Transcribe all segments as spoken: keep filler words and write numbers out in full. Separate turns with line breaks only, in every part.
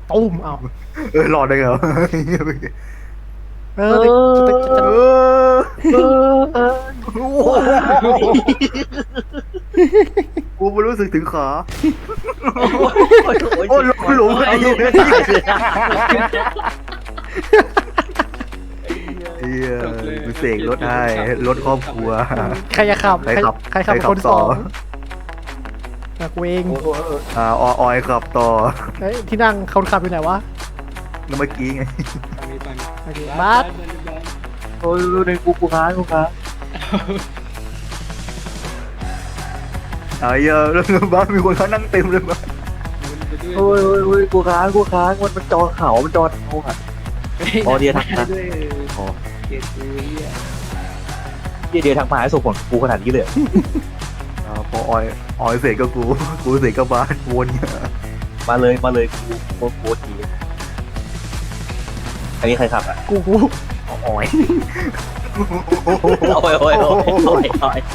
ตุ้มเอา
เออรอดได้เหรอ
เออจะจะจะ
เออ
เออเออ
โอ้โหกูไม่รู้สึกถึงขา
โอ้ยโอ้ย
โอ้หลงหลงไอ้เหี้ยเฮียกูเสกรถให้รถครอบครัว
ใครจะขับ
ใครขับ
ใครขับ
ใครขับ
คนสอง
ต่อ
อ่ะกูเอง
อ่าอออยขับต่อ
เฮ้ยที่นั่งคนขับอยู่ไหนวะ
เมื่อกี้ไง
ฝั่งนี้ฝั่งนี้
โอเคบัส
โอ้ยในกูกูค้างกูค้าง
ไอ้เหี้ยแล้วบ้านมีคนเขานั่งเต็มเลยบ้าน
โอ้ยโอ้ยโอ้ยกูค้างกูค้างมันมันจอเขามันจอเขาอ่ะ อ๋อเดี๋ยวทักนะ
ด้วย
อ๋อ
เกตกูเฮีย
เดี๋ยวเดี๋ยวทางมาให้ส่งผลกูขนาดนี้เลย
อ่าพอออยออยเสร็จก็กู กูเสร็จก็บ้านวนเนี่ย
มาเลยมาเลยกูโคตรโคตรดีอันนี้ใครขับอ่ะ
กูกู
ออย
โอ้ยโอ้ยโอ้ยโอ้ยโอ้ย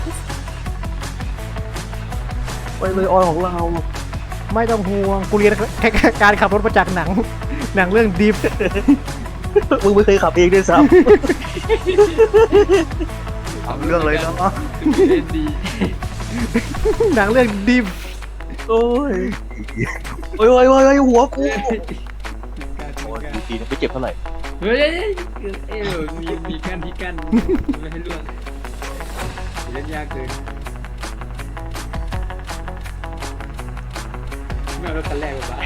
โอ้ยเลยออยของเรา
ไม่ต้องห่วงกูเรียนแค่การขับรถมาจากหนัง หนังเรื่องดิฟ
มึงไม่เคยขับเองด้วยซ้
ทำเรื่องเลยเนาะ
เล่นดี
หนังเรื่องดิฟ
ำโอ้ยโอ้ยโอ้ยโอ้ยโอ้ยหัวกู
การ
โอ้ย
การ
ดีๆนะไม่เจ็บเท่าไหร่
เฮ้ยเอ้ยมีมีกั้นที่กั้นไม่ให้ล่วงเล่นยากเกินไม่เอารถคันแรกไป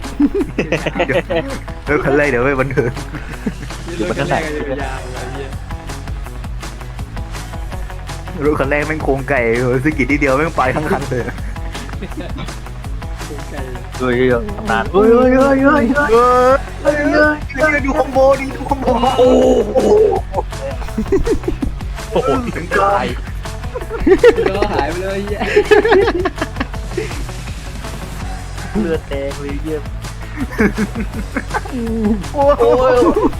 เดี๋ยวคันแรกเดี๋ยวไปบันเทิง
รถคันแรกก็จะยาวอะไรเงี้ย
รถคันแรกแม่งโครงไก่เออสกิดทีเดียวแม่งไปทั้งคันเลย
โคตรไกล
เฮ้ยตำนานเฮ้ยเฮ้ยเฮ้ยเฮ้ยเฮ้ย
เออเฮ้ยเฮ้ยดูคอมโบดิดูคอมโบ
โอ้โหโอ้โหถึงตาย
ล้อหายไปเลยเฮีย
เลือดแดงเลยเยี่ยม
โอ้
โอ้ย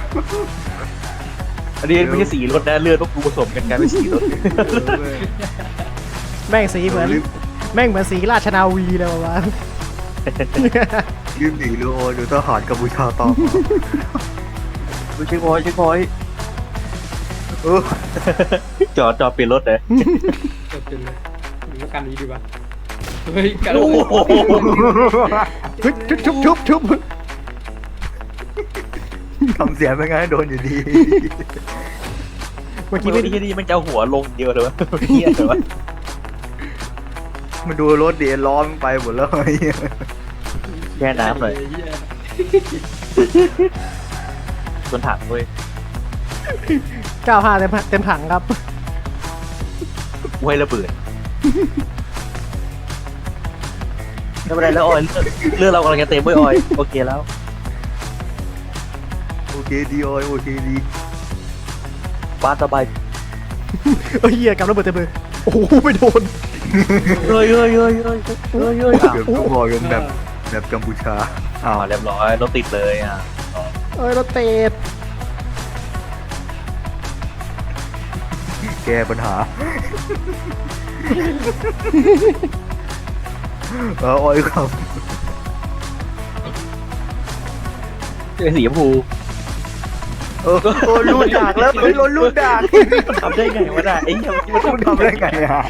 อันนี้ไม่ใช่สีรถนะเลือดพวกกูผสมกันกลายเป็นสีรถ
แม่งสีเหมือนแม่งเหมือนสีราชนาวีเลยประมาณ
ยืมหนีเลยโอ้ดูทหารกัมพูชาต่อ
ดูเช็คพอยต์เช็คพอยต์
เออ
จอดจอดเปลี่ยนรถเลย
จบเป็นเลยหรือว่ากันนี้ดีกว่าเฮ้ยกัน
โอ้โห
เฮ้ยชุบชุบชุบชุบ
ทำเสียงเป็นไงโดนอยู่ดี
เมื่อ
คิ
กี้
ด
ไม่
ไม่ดีที่มันจะเอาหัวลงเดียวเลยวะเฮียเลยวะ
มาดูรถเดียล้อมนไปหมดแล้วไอ้เหี้ย
แช่น้ำหน่อย
เฮีย
ส่วนถังเว้ย
เก้าห้าเต็มเต็มถังครับ
ไว้ระเบิดไม่เป็นไรแล้วออยเลือดเรากำลังจะเต็มเว้ยออยโอเคแล้ว
โอเคดีโอยโอเคดี
บ้านสบาย
เฮ้ยเหี้ยกำระเบิดเต็มเลยโอ้โหไม่โดน
เฮ้ยเฮ้ยเฮ้ยเฮ้ยเฮ้ยเฮ้ย
เกือบต้องรอกันแบบแบบกัมพูชาอ้า
อ่าว เรียบร้อยรถติดเลยอ่ะ
เอ้ยรถเตด
แก้ปัญหาเออออยครับ
เจอสีชมพู
เออโอ้รูดดากแล้วเฮ้ยรถรูดดาก
ทำได้ไงวะน่ะไอ้เหี้ยมัน
มันทำได้ไงอ่ะ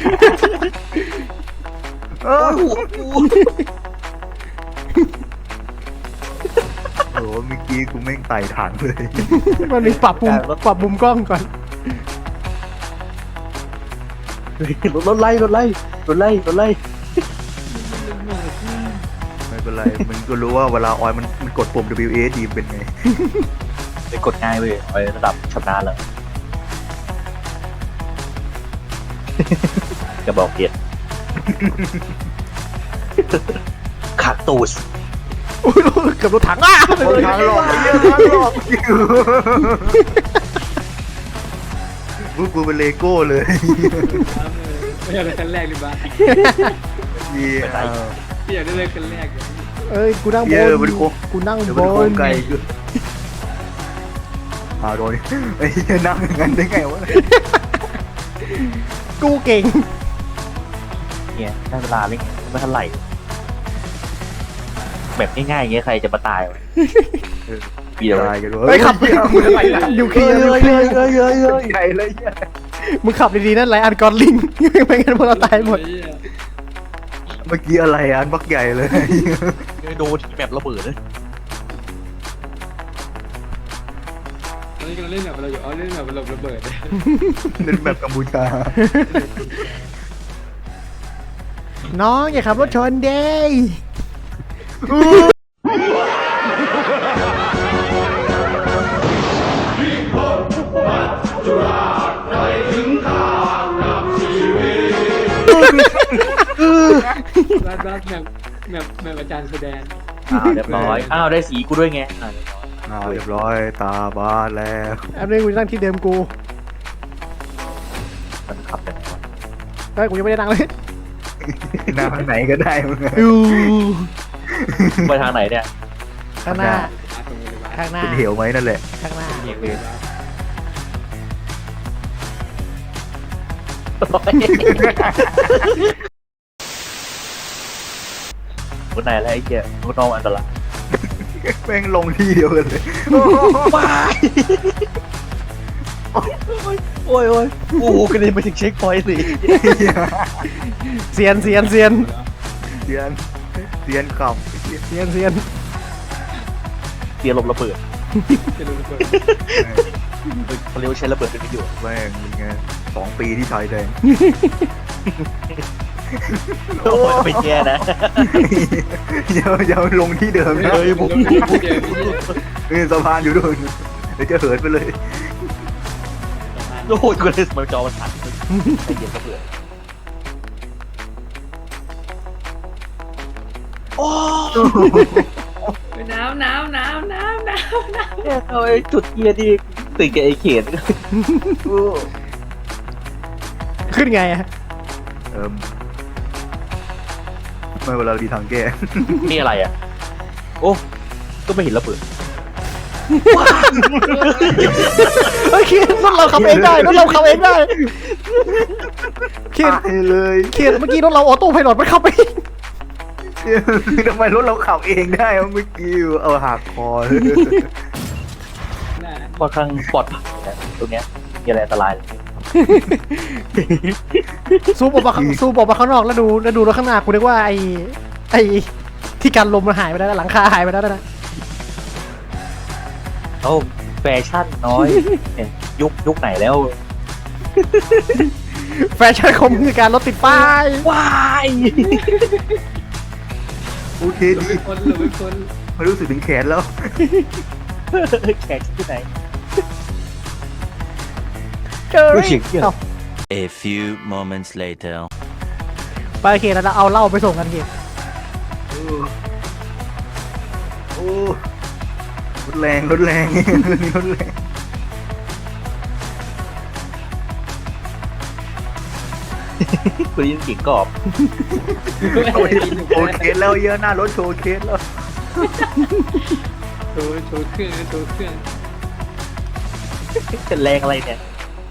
เออ
หัวกู
โอ้โหเมื่อกี้กูแม่งไต่ถังเลย
มันมีปรับมุมปรับมุมกล้องก่อน
รถรถไล่รถไล่รถไล่รถไล่
ไม่เป็นไรมันก็รู้ว่าเวลาออยมันมันกดปุ่ม W A D เป็นไง
ไปกดง่ายเว้ยไประดับชำนาญแล้วจะบอกเกียรติขักตูส
โอ้ยเกือบรถถังอ่ะ
ทางหลอกไอ้เหี้ยทางหลอกกูกูเป็นเลโก้เลย
ไม่เอารถคันแรกดีบ้า
เยี่ย
พี่อยากได้เลยคันแรก
เอ้ยกูนั่งบ
เยี่ย
น
มันโค้ง
กูนั่ง
เดี๋ยว
บ
มันโค้ง
น
ไกลคืออ่าโดนไอ้เหี้ยนั่งอย่างนั้นได้ไงวะ
กูเก่ง
เนี่ยได้เวลาเล่นไม่ทันไหลแบบง่ายๆอย่างเงี้ยใครจะมาตายวะ
เออ
เดียว
ตายกัน
ไปขับ
อะไรนะ
นิวเคลียร์นิวเคลียร์
เฮ้ยเฮ้ยเฮ้ยใหญ่เลยเนี่ย
มึงขับดีๆนั่นไรอันกอร์ลิงไม่งั้นพวกเราตายหมด
เมื่อกี้อะไรอันบักใหญ่เลย
โดนที่แบบระเบิดเลย
ตอนนี้กำลังเล่นแบบอะไรอยู่อ๋อเล่นแบบระเบิดระเบิด
เป็นแบบกัมพูชา
น้องอย่าขับรถชนเด้
บ้านบ้านแบบแบบแบบอาจารย์แสดง
อ้าวเรียบร้อยอ้าวได้สีกูด้วยไงอ่า
อ้าวเรียบร้อยตาบ้านแล้ว
อันนี้กูจะนั่งที่เดิมกู
มันขับแบบไหนวะ
เฮ้ยกูยังไม่ได้นั่งเลย
หน้าไหนก็ได้มึงอะ
อู้
ไปทางไหนเนี่ย
ข้างหน้า
มาตรงเลยว่า
ข้างหน้า
เป็นเหวไหมนั่นแหละ
ข้างหน้า
คนไหนแล้วไอ้เหี้ยคนน้องอันตราย
แม่งลงที่เดียวกันเลย
ว้ายโอ้ยโอ้ยโอ้โหกระเด็นไปถึงเช็คพอยต์สิ
เซียนเซียนเซียน
เสียนเสียนข
เซียนเซียน
เตียลมระเบิด
จะโดนระเบิด
เขาเรียกว่าใช้ระเบิดเป็นประโยชน์
ำแม่งมึงไงสองปีที่ชายแดน
โอ้ยไม่แย่นะ
เดี๋ยวเดี๋ยวลงที่เดิมนะ
เฮ้ยผม
เดี๋ยวพี่
เออสะพานอยู่ด้วยเดี๋ยวจะเหินไปเลย
โอ้ยกระเด็นมาจอมันสั่นไอ้เหี้ยระเบิดโอ้
น้ำน้ำน้ำน้ำน้ำน้ำ
เนี่ยทำไมจุดเกียร์ดีติดกับไอ้เขต
ขึ้นไงอะ
เอิมไม่เวลาดีทางแก้
นี่อะไรอ่ะ โอ้ก็ไม่เห็นระเบิด
เฮ้ยเขียนรถเราขับเองได้รถเราขับเองได้เขียน
ตายเลย
เขียนเมื่อกี้รถเราออโต้ไพลอตมันขับเอง
ทำไมรถเราขับเองได้วะเมื่อกี้เอาหักคอเลย
น่า
ค่อนข้างปลอดภัยนะตรงเนี้ยมีอะไรอันตรายเลย
ซูมออกมาข้างซูมออกมาข้างนอกแล้วดูแล้วดูรถข้างหน้ากูนึกว่าไอ้ไอ้ที่กันลมมันหายไปแล้วนะหลังคาหายไปแล้วนะ
โอ้แฟชั่นน้อยเนี่ยยุคยุคไหนแล้ว
แฟชั่นคมคือการรถติดป้าย
ว้าย
โอเค
หลบ
ดี
ไม่พ้นหลบไม่พ้น
ไม่รู้สึกถึงแขนแล้ว
แขกที่ไหน
เจอ
เสียงเหี้ย
เอา
A few moments later.
ไปเขตแล้วเราเอาเหล้าไปส่งกันเขต
โอ้โอ้รถแรงรถแรง นี่รถแรง
คุณยินเสียงกรอบ
โอ้ยโชว์เคสแล้วเยอะหน้ารถโชว์เคสแล้ว
โชว์โชว์เครื่องโชว์เครื่อง
เป็นแรงอะไรเนี่ย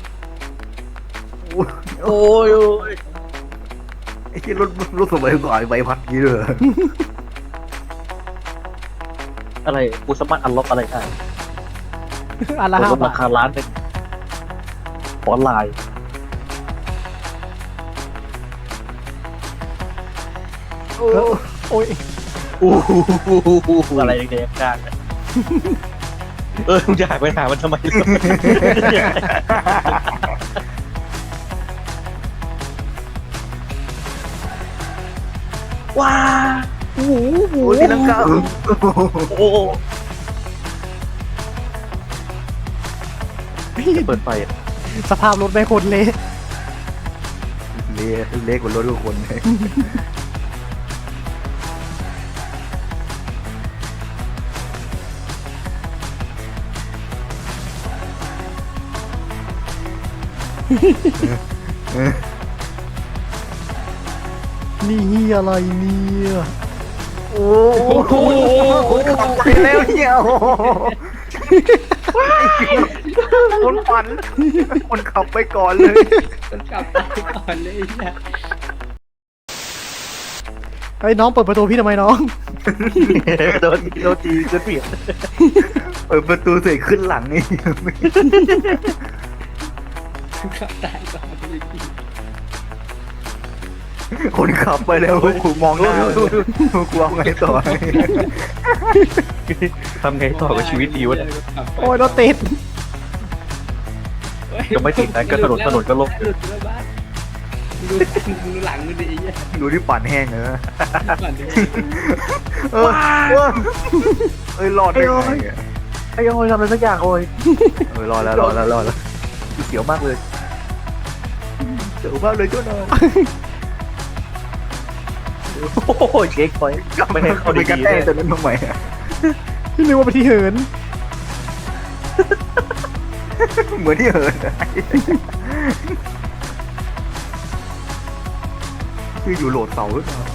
โอ้ย
โอ้ยโอ้ย
ไอ้ที่รถรถสมัยก่อนใบพัดนี้เลย
อะไรกูสามารถอันล็อกอะไรได้
อันละห้า
ลด
บา
รา
ท
คาร้านเป็นออนไลน์
โอ้
โอ้ย
อู้หูอะไรแดงๆกลางเนี่ยเออมึงจะหายไปหามันทำไมล่ะว้า
โอ้โหโอ้โห
โหตีลังกา
โอ้จะเปิดไฟอะ
สภาพรถไม่คนเละ
เละเล็กกว่ารถทุกคนเลย
นี่อะไรเนี่ย
โอ้โหขับไปแล้วเนี่ยโอ้โหคนฝันคนขับไปก่อนเลย
มันกลับไปก่อนเลยเนี่ย
ไอ้ยน้องเปิดประตูพี่ทำไมน้อง
โดนโดนตีจนเปลี่ยน
เปิดประตูเสร็จขึ้นหลังนี่
ขับตายก่อนเลยกิน
คนขับไปแล้วกูมองหน้ากูเอาไงต่อ
ทำไงต่อกับชีวิตดีวะเนี่ย
โอ้ยรถติด
ยังไม่ติดนะก็ถนนถนนก็โล่ง
หลุดแล้วบ้านดูดูหลังดูดิไอ้เหี้ย
ดูที่ปั่นแห้งเออ
ปั่นดิ
เออเออเอ้ยรอดได้ไงอะ
ไอ้โอ้ยทำอะไรสักอย่างโอ้ย
เออรอดแล้วรอดแล้วรอดแล้ว
เสียวมากเลย
เดี๋ยวบ้าเลยเจ้านาย
โอ้ยเช็คพอยต์ไม่ให้เข้า
ไปกระ
ดีๆ
แท
เล
ก
ย
ตัวนั้นทำไมอะ
พี่นึกว่าไปที่เหิน
เหมือนที่เหินอะคืออยู่โหลดเสาหรือเปล่า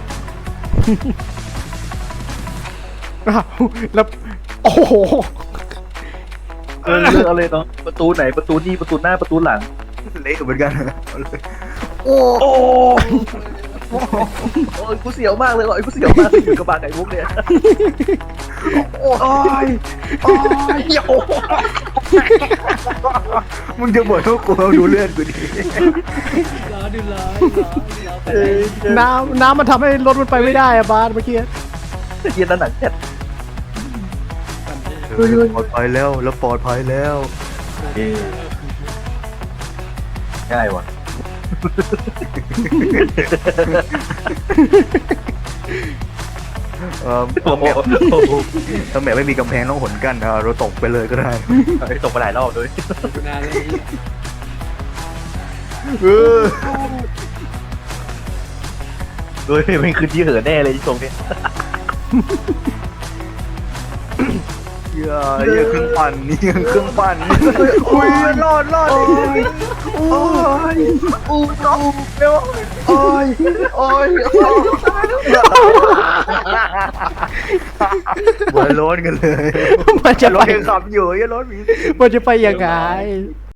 อ้าวแล้วโอ้โห
เออเลือกเอาเลยเนาะประตูไหนประตูนี่ประตูหน้าประตูหลัง
เละเหมือนกันเอาเลย
โอ้
โอ้โอ้ยกูเสียวมากเลยว่ะกูเสียวมากเลยอยู่กับบาไก่มุกเนี่ยโอ้ยโอ้ยโอ้
มึงจะบ่นว่ากูเอาดูเลือดกูดิ
รอดูรอรอรอไป
เอ้ย
น้ำน้ำมันทำให้รถมันไปไม่ได้อะบาสเมื่อกี้
เย็นนั่นหนังแค่
ปลอดภัยแล้วแล้วปลอดภัยแล้ว
ง่ายว่ะ
เออ
โอ้โห
ถ้าแม่ไม่มีกำแพงต้องหนกั้นนะเราตกไปเลยก็ได้
ไอ้ส่งมาหลายรอบด้วย
ดูนานเลย
เออ
ด้วยไม่คืนที่เหินแน่เลยที่ตรงเนี้ย
อย่าอย่าเครื่องปั่นนี่เครื่องปั่นอุ้ยรอดรอดโอ้ยโอ้ยโอ้ยโอ้ยโอ้ยหัวร้อนกันเลย
มันจะ
ร
ไป
ถยังขับอยู่ยังรถมี
มันจะไปยังไง